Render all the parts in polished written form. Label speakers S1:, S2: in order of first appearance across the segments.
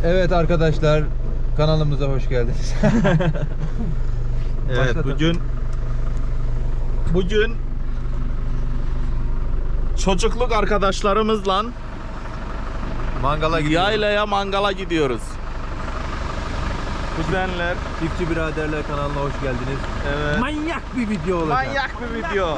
S1: Evet arkadaşlar, kanalımıza hoş geldiniz.
S2: Evet, bugün çocukluk arkadaşlarımızla yaylaya mangala gidiyoruz. Kuzenler.
S1: Çiftçi Biraderler kanalına hoş geldiniz.
S2: Evet.
S3: Manyak bir video olacak.
S2: Manyak bir video.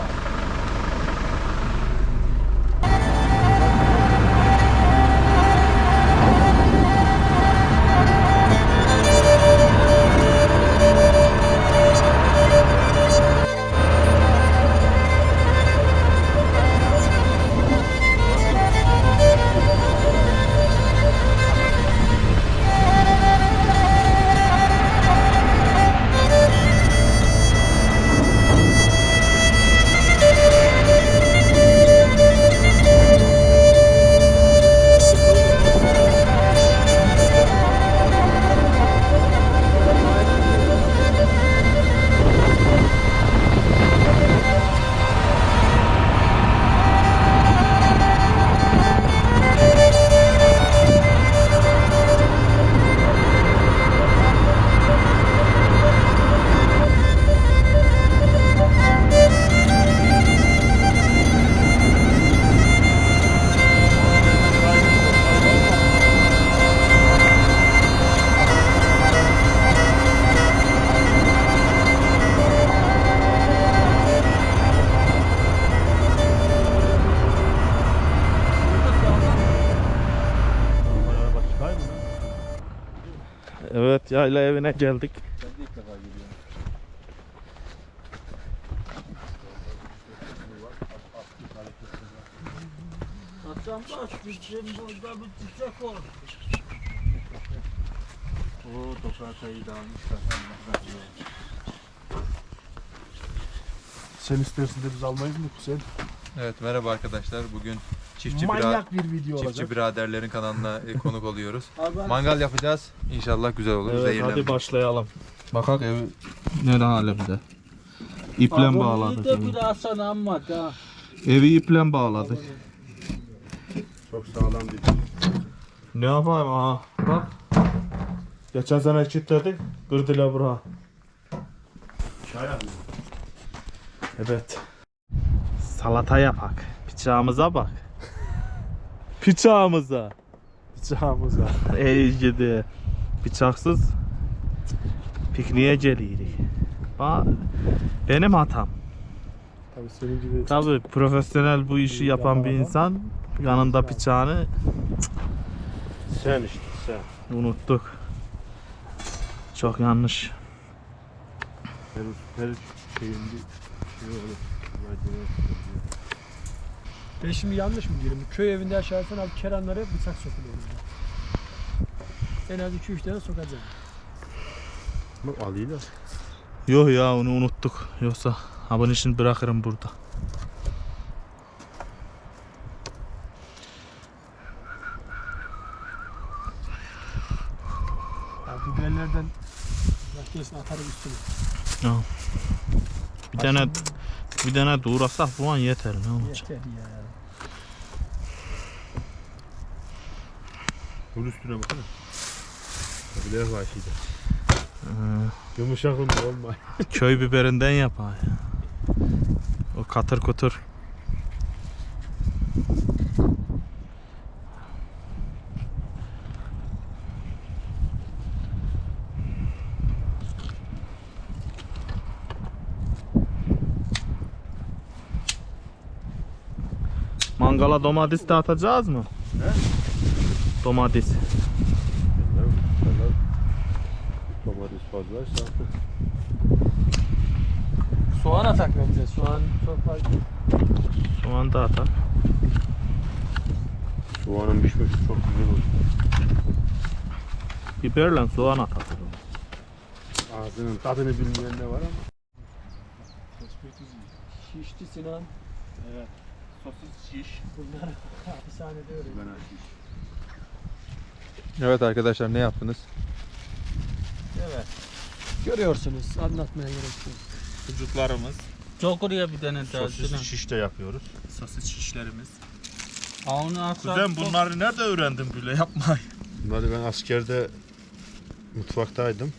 S2: Evet, yayla evine geldik.
S1: Ben de ilk defa gidiyorum.
S3: Hasan bak, bizim burada bir çiçek oldu.
S1: Oo, toprağı sayıyı dağılmışlar.
S4: Sen istersin de biz almayız mı Hüseyin?
S1: Evet, merhaba arkadaşlar. Bugün Çiftçi
S4: Manyak bir video
S1: Çiftçi
S4: olacak.
S1: Biraderlerin kanalına konuk oluyoruz.
S3: Abi,
S1: Mangal yapacağız. İnşallah güzel olur.
S2: Evet,
S1: Zehirlenmeyiz.
S2: hadi başlayalım. Bakak evi ne alemde. İple bağladık.
S3: de bir Hasan amma da.
S2: Evi iple bağladık.
S4: Çok sağlam bir.
S2: Ne yapayım ha? Bak. Geçen sene çitledik. Kırdılar bura.
S4: Çay abi.
S2: Evet. Salata yapak. Bıçağımıza bak. Bıçağımıza.
S4: Bıçağımız var.
S2: Ey gidi. Bıçaksız pikniğe gelirik. Benim hatam.
S4: Tabii senin gibi.
S2: Tabii profesyonel bu işi yapan bir insan yanında bıçağını
S4: Sen işte sen.
S2: unuttuk. Çok yanlış.
S4: Her şeyin bir şey olur.
S3: Ben şimdi yanlış mı diyorum? Köy evinde yaşarsan abi keranlara bıçak sokuluyor. En az 2-3 tane sokacağım.
S4: Bak alıyla.
S2: Yok ya, onu unuttuk. Yoksa bunun işini bırakırım burada.
S3: Abi biberlerden makinesini atarım üstüne.
S2: Bir tane doğrasak bu an yeter, ne olacak?
S3: Yeter ya.
S4: Bunun üstüne baksana. Biber var şeyde. Yumuşak olma.
S2: Köy biberinden yapar ya. O katır kutur. Mangala domates de atacağız mı?
S4: He?
S2: Domates.
S4: Domates fazlaysa artık.
S3: Soğan atak bence. Soğan çok fazla.
S2: Soğan da atar.
S4: Soğanın pişmesi çok güzel olur.
S2: Biberle soğan atar.
S4: Ağzının tadını bilmeyen ne var ama.
S3: Şişti Sinan.
S4: Evet.
S2: Sosis şiş.
S3: Bunlar hapishanede öyle.
S4: Ben açayım.
S1: Evet arkadaşlar, ne yaptınız?
S3: Evet. Görüyorsunuz. Anlatmaya gerek yok.
S2: Sucuklarımız.
S3: Çok oraya bir tane daha.
S4: Sosis şiş de yapıyoruz.
S2: Sosis şişlerimiz.
S3: Onu atsak
S2: Kuzen bunları nerede öğrendin böyle yapmayı?
S4: Bunları ben askerde mutfaktaydım.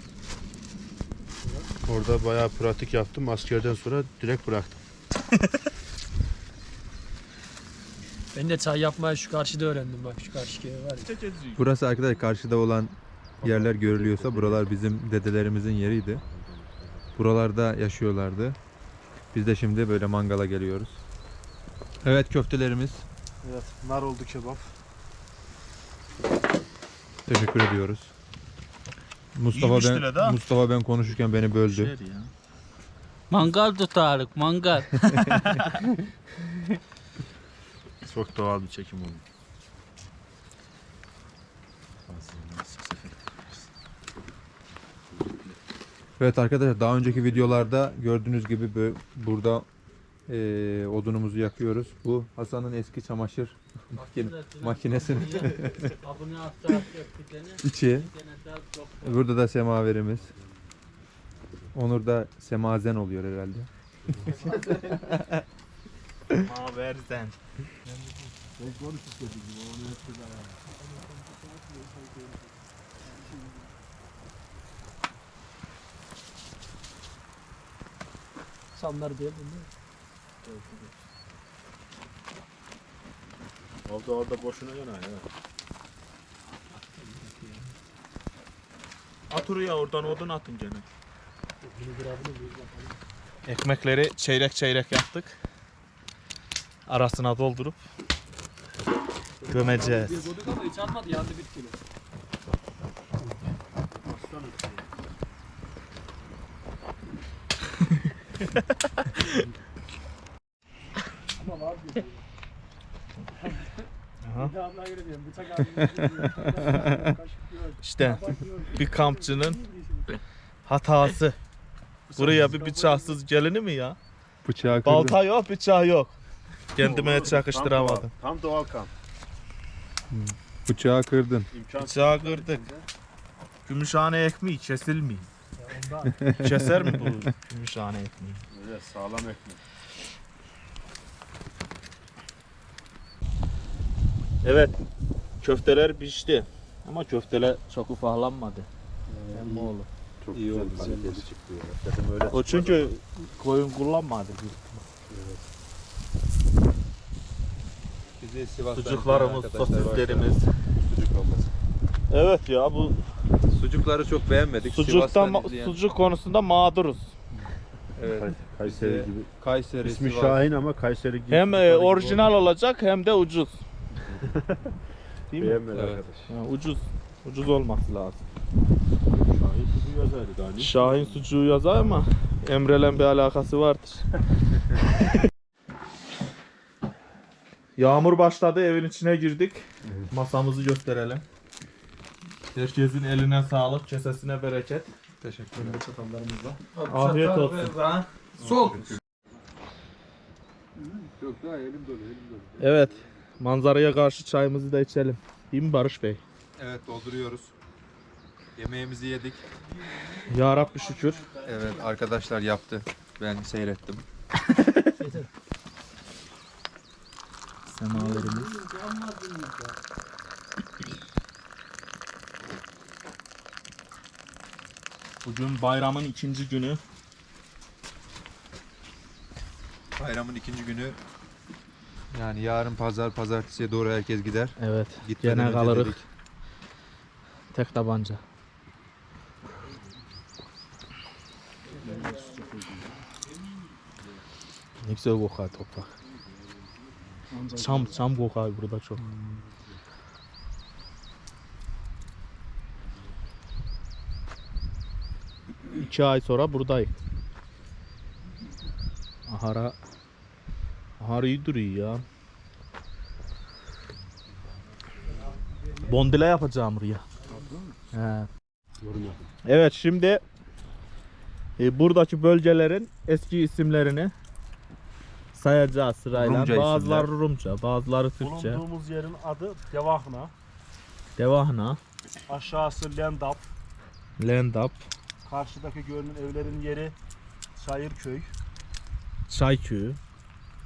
S4: Orada bayağı pratik yaptım. Askerden sonra direkt bıraktım.
S3: Ben de çay yapmayı şu karşıda öğrendim bak şu karşı köy var ya.
S1: Burası arkadaşlar karşıda olan yerler görülüyorsa buralar bizim dedelerimizin yeriydi. Buralarda yaşıyorlardı. Biz de şimdi böyle mangala geliyoruz. Evet köftelerimiz.
S4: Evet, nar oldu kebap.
S1: Teşekkür ediyoruz.
S2: İyiymiş bile de ha.
S1: Mustafa ben konuşurken beni böldü.
S5: Mangal tutarık, mangal.
S2: Çok doğal bir çekim oldu.
S1: Evet arkadaşlar daha önceki videolarda gördüğünüz gibi burada odunumuzu yakıyoruz. Bu Hasan'ın eski çamaşır makinesinin içi. Burada da semaverimiz. Onur da semazen oluyor herhalde.
S2: Maverden.
S3: Samlar diye bunu.
S2: Orada boşuna yana ya. At oraya oradan odun atın gene. Ekmekleri çeyrek çeyrek yaptık. Arasına doldurup gömeceğiz.
S3: Dedikodu ama hiç almadı yandı bir kilo. Ama var diyor.
S2: Aha.
S3: Bir de ablaya göre diyorum. Bıçak abi.
S2: İşte bir kampçının hatası. Buraya bir bıçaksız gelinir mi ya?
S1: Bıçağı kırdım.
S2: Balta yok, bıçağı yok. Kendime çakıştıramadım.
S4: Tam doğal kamp.
S1: Bıçağı kırdın.
S2: Bıçağı kırdık. Gümüşhane ekmeği kesilmiyor. Keser mi bu gümüşhane ekmeği?
S4: Evet, sağlam ekmek.
S2: Evet, köfteler pişti. Ama köfteler çok ufaklanmadı. Emmi oğlu.
S4: Çok
S1: İyi
S4: güzel
S1: oldu,
S4: kaliteli çıktı ya. Dedim öyle
S2: O çünkü koyun kullanmadı.
S1: Bizi Sivas'tan
S2: Sucuklarımız,
S1: izleyen arkadaşlar
S2: sosislerimiz.
S1: Sucuk olması.
S2: Evet ya bu
S1: Sucukları çok beğenmedik.
S2: sucuktan
S1: Sivas'tan izleyen-
S2: sucuk konusunda mağduruz.
S1: Evet.
S4: Kayseri
S1: Bize
S4: gibi.
S1: Kayseri,
S4: İsmi
S1: Sivas.
S4: Şahin ama Kayseri gibi.
S2: Hem
S4: Kayseri gibi
S2: orijinal olacak hem de ucuz. Değil mi?
S4: Beğenmedi
S1: Evet.
S4: arkadaş.
S2: Ha, ucuz olması lazım.
S4: Şahin kuzu yazardı galiba.
S2: Şahin sucuğu yazar ama Emre'yle bir alakası vardır. Yağmur başladı, evin içine girdik. Masamızı gösterelim. Herkesin eline sağlık, kesesine bereket.
S1: Teşekkür ederim.
S2: Afiyet olsun.
S3: Sol.
S1: Yok daha elim dolu, elim dolu.
S2: Evet, manzaraya karşı çayımızı da içelim. Değil mi Barış Bey?
S1: Evet dolduruyoruz. Yemeğimizi yedik.
S2: Ya Rabbi şükür.
S1: Evet arkadaşlar yaptı. Ben seyrettim.
S2: Semaverimiz. Bugün bayramın ikinci günü.
S1: Bayramın ikinci günü. Yani yarın pazartesiye doğru herkes gider.
S2: Evet,
S1: Gitmeden
S2: gene
S1: önce
S2: kalırız.
S1: dedik.
S2: Tek tabanca. Ne güzel kokar toprak. Çam kokar burada çok. 2 ay sonra buradayım. Ahara iyi duruyor ya. Bondile yapacağım buraya. He. Evet şimdi buradaki bölgelerin eski isimlerini sayacağız sırayla.
S1: Rumca
S2: bazıları
S1: isimler.
S2: Rumca, bazıları Türkçe.
S4: Bulunduğumuz yerin adı Devahna.
S2: Devahna,
S4: Aşağısı Lendap.
S2: Lendap,
S4: Karşıdaki görünen evlerin yeri Çayırköy.
S2: Çayköyü,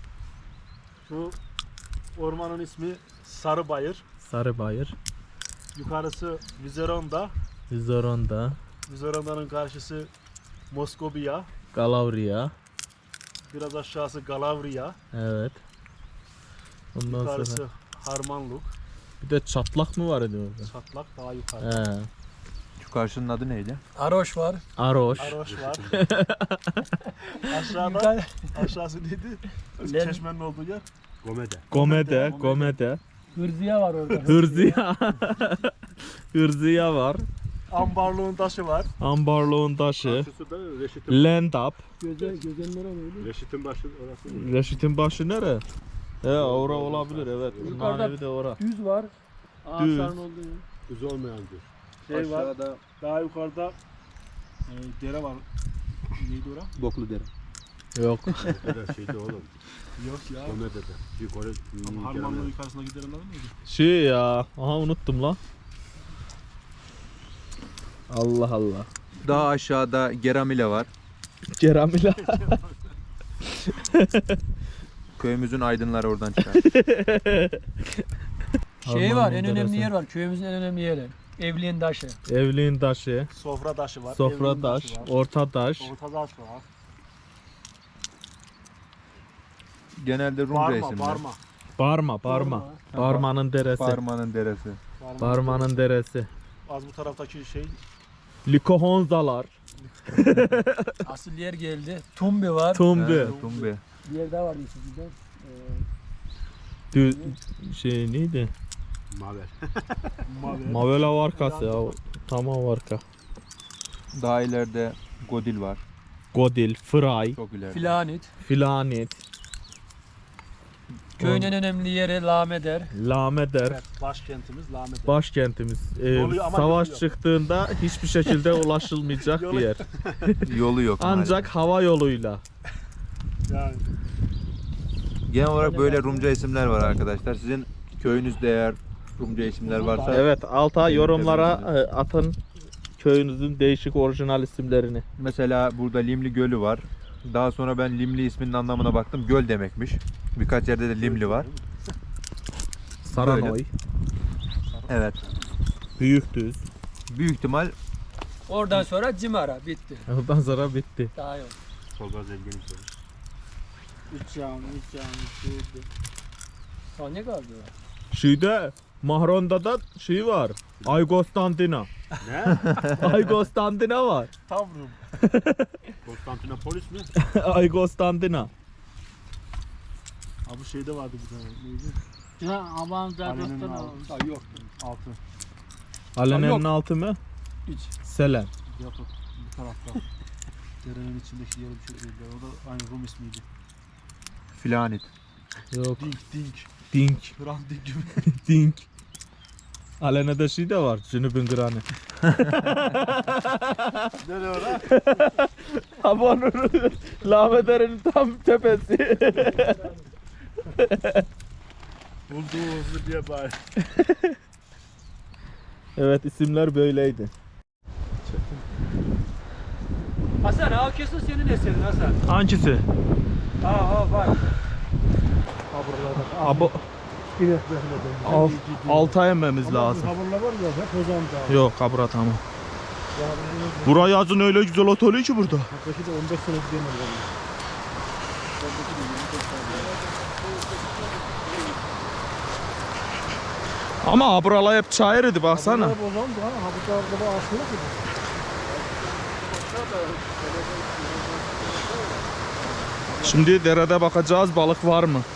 S4: Şu ormanın ismi Sarıbayır.
S2: Sarıbayır.
S4: Yukarısı Vizeron'da.
S5: Zoronda,
S4: Vizeronda'nın karşısı Moskovya.
S5: Galavriya.
S4: Biraz aşağısı Galavriya.
S5: Evet. Ondan
S4: Yukarısı
S5: sonra
S4: Harmanluk.
S5: bir de çatlak mı var idi orada?
S4: Çatlak daha yukarı.
S5: He.
S1: Şu karşının adı neydi?
S3: Aroş var.
S5: Aroş.
S4: Aroş var. Aşağıda
S3: Yukarı-
S4: aşağısı neydi?
S3: Len-
S4: Çeşmenin olduğu yer. Gomede.
S5: Gomede, Gomede.
S3: Hırziye var orada.
S5: Hırziya. Hırziya var.
S4: Ambarlığın taşı var.
S5: Ambarlığın taşı.
S4: Karşısı da Reşit'in.
S5: Lendap.
S3: Gözenler oluyordu.
S4: Reşit'in başı orası.
S5: Reşit'in başı nere? He, ora olabilir evet.
S3: Yukarıda-
S5: Manevi de ora.
S3: Düz var.
S5: Düz.
S3: Ağaçların olduğu yer.
S4: Düz olmayan bir. Şey var. Daha yukarıda dere var. Neydi ora?
S1: Boklu dere.
S5: Yok.
S4: Gomede şeydi oğlum. Yok ya. Gomede'de. Yukarı. Ama Harmanlığın yukarısındaki derenin adı neydi?
S5: Şey ya. Aha unuttum lan. Allah Allah.
S1: Daha aşağıda Geramile var.
S5: Ceramila.
S1: Köyümüzün aydınları oradan çıkar.
S3: Şey var, en
S5: Harmanın
S3: önemli
S5: deresi.
S3: yer var. Köyümüzün en önemli yeri. Evliğin taşı.
S5: Evliğin taşı.
S4: Sofra taşı var.
S5: Sofra
S4: evinin
S5: taş.
S4: taşı var.
S5: Orta taş.
S4: Orta taş var.
S1: Genelde Rumca
S4: Barma,
S1: isimler.
S4: barma.
S5: Barma, Barma. Barmanın deresi.
S1: Barmanın deresi.
S5: Barmanın deresi.
S4: Az bu taraftaki şey
S5: Likohonzalar.
S3: Asıl yer geldi. Tumbi var.
S5: Tumbi.
S1: Ha, Tumbi.
S3: Bir yer daha var sizden.
S5: Şey neydi?
S4: Maver. Maver.
S5: Mavela varkası ya. Tamam varka.
S1: Daha ileride Godil var.
S5: Godil, Fray,
S1: Çok ileride.
S3: Filanit.
S5: Filanit,
S3: Köyün en önemli yeri Lameder.
S5: Lameder.
S4: Evet, başkentimiz Lahmet.
S5: Başkentimiz.
S4: Yolu ama
S5: Savaş
S4: yolu yok.
S5: çıktığında hiçbir şekilde ulaşılmayacak bir
S4: Yolu-
S5: yer.
S1: Yolu yok.
S5: Ancak
S1: maalesef.
S5: hava yoluyla.
S4: Yani
S1: Genel olarak böyle Rumca isimler var arkadaşlar. Sizin köyünüzde eğer Rumca isimler varsa
S5: Evet, alta yorumlara atın köyünüzün değişik orijinal isimlerini.
S1: mesela burada Limli Gölü var. Daha sonra ben Limli isminin anlamına baktım. Göl demekmiş. Birkaç yerde de Limli var.
S5: Saranoy,
S1: Evet.
S5: Büyükdüz.
S1: Büyük ihtimal
S3: Oradan sonra Cimara. Bitti.
S5: Ondan sonra bitti.
S3: Daha yok.
S4: Solda zengin söyle.
S3: Üç yağmur. Daha ne kaldı?
S5: Şeyde Mahron'da da şey var. Aygostantina.
S4: Ne?
S5: Aygostantina var.
S4: Tavrum. Konstantinopolis mi?
S5: Aygostantina.
S4: Abi şeyde vardı bir tane. Neydi?
S5: Ya aman
S4: Ali'nin altı.
S3: Yok.
S4: Altı.
S5: Alene'nin
S3: Yok.
S5: altı mı?
S3: Üç.
S5: Selen.
S4: Yok bu tarafta. Derenin içindeki yere bir şey değildi. O da aynı Rum ismiydi.
S1: Filanit.
S5: Yok.
S4: Dink.
S5: Dink.
S4: Hrant Dink gibi.
S5: Dink. Alene'de şey de var. Cünüb'ün granı.
S4: Nereye ora?
S5: Havanın Lameder'in tam tepesi.
S4: Bulduğumuzu diye bari.
S5: Evet, isimler böyleydi.
S3: Hasan ha kesin senin eserin Hasan.
S5: Hangisi?
S3: Aa bak.
S5: Abi alta emmemiz lazım.
S4: Haberler var ya hep Ozan'da.
S5: Yok, kabura tamam. Buraya yazın öyle güzel oteli ki burada.
S4: Belki de 15 sene gidelim.
S5: Ama buralar hep çayır idi baksana.
S4: Hep Ozan'da ha. Ha bu tarafta da aşırı gibi.
S5: Şimdi derede bakacağız balık var mı?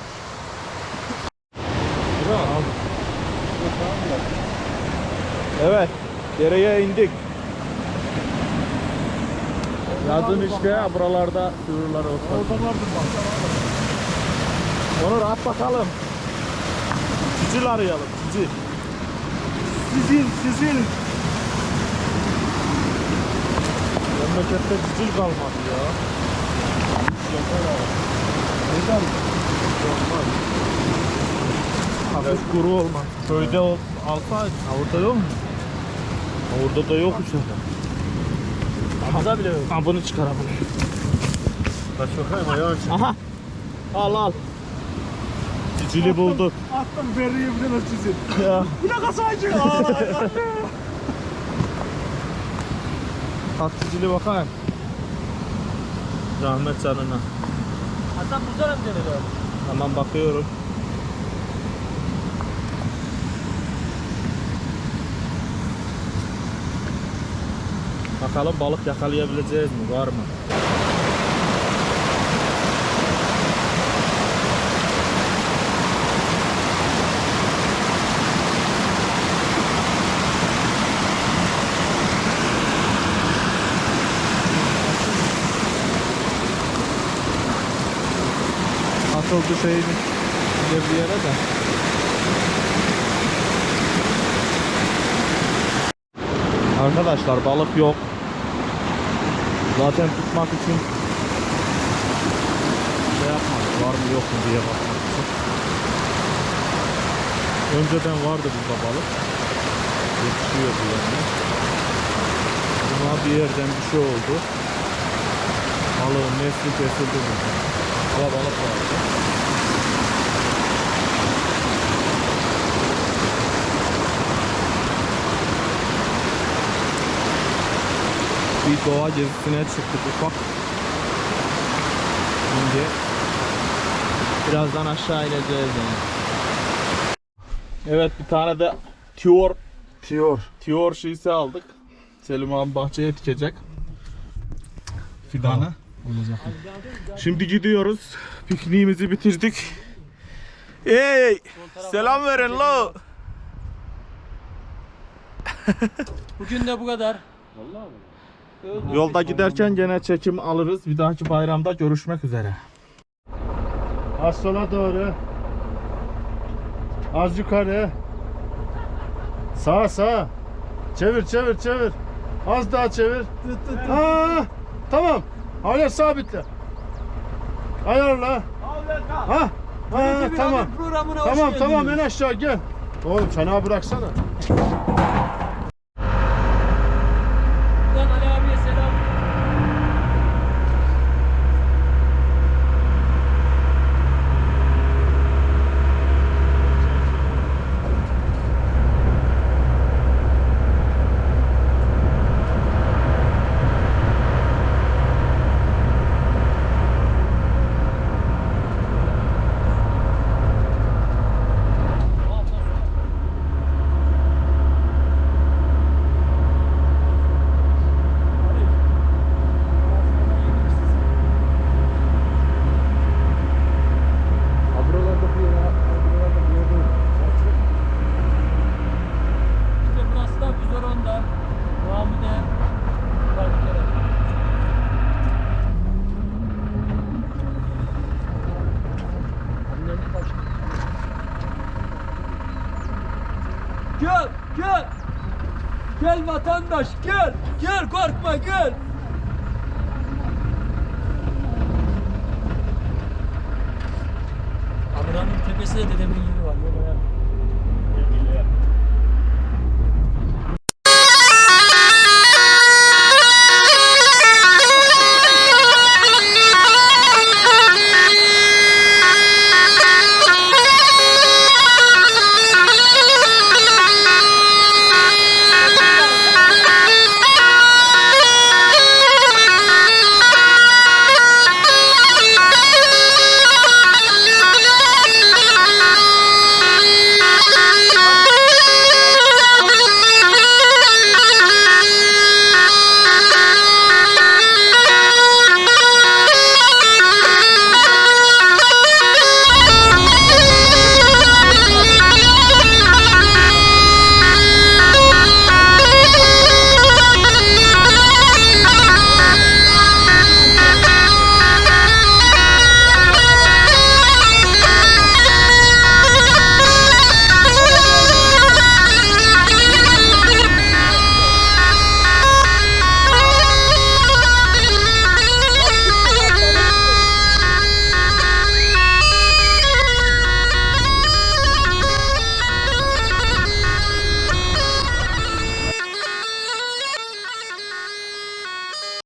S5: Evet, dereye indik. Yazın işte buralarda sığırlar olsun.
S4: Orada vardı bak.
S5: Onur at bakalım. Cicil arayalım, cicil.
S4: Sizin.
S5: Memlekette cicil kalmadı ya.
S4: Neden?
S5: Hafif kuru olmaz. Köyde alsaydın. Orada yok mu? Orada da yok işte.
S4: Burada bile yok.
S5: Ha bunu çıkaralım.
S4: Kaç bakayım ayağın çık.
S5: Aha. Al al. Cili bulduk.
S4: Attım veriyi bir de çizin.
S5: Ya.
S4: Bu ne kasaycı?
S5: Tatlı cili bakayım. Rahmet canına.
S3: Hasan buzlar mı denir abi?
S5: Tamam bakıyorum. Bakalım balık yakalayabileceğiz mi? Var mı? Atıldı şeyin bir yere de. Arkadaşlar balık yok. Zaten tutmak için şey yapmadık, var mı yok mu diye bakmak için. Önceden vardı burada balık. Yetişiyordu yani. Ama bir yerden bir şey oldu. Balığın nesli kesildi burada. Ama balık vardı. Bir doğa gezisine çıktık ufak. Şimdi birazdan aşağı ineceğiz yani.
S2: Evet bir tane de Tiyor şişesi aldık. Selim abi bahçeye dikecek. Fidanı.
S4: Olacak.
S2: Şimdi gidiyoruz. Pikniğimizi bitirdik. Hey! Selam verin lo.
S3: Bugün de bu kadar.
S2: Yolda giderken gene çekim alırız. Bir dahaki bayramda görüşmek üzere.
S4: Az sola doğru. Az yukarı. Sağa sağa. Çevir çevir çevir. Az daha çevir. Aa, tamam. Hala sabitle. Ayarla. Ha. Ha, tamam. Tamam tamam en aşağı gel. Oğlum çanağı bıraksana.
S3: Buradan Ali abiye selam. İşte burası da Güzoron'da. Muhammed'e. Gel, gel. Gel vatandaş, gel. Gel korkma, gel. Kameranın tepesinde dedemin yeri var. Yol ayarlı.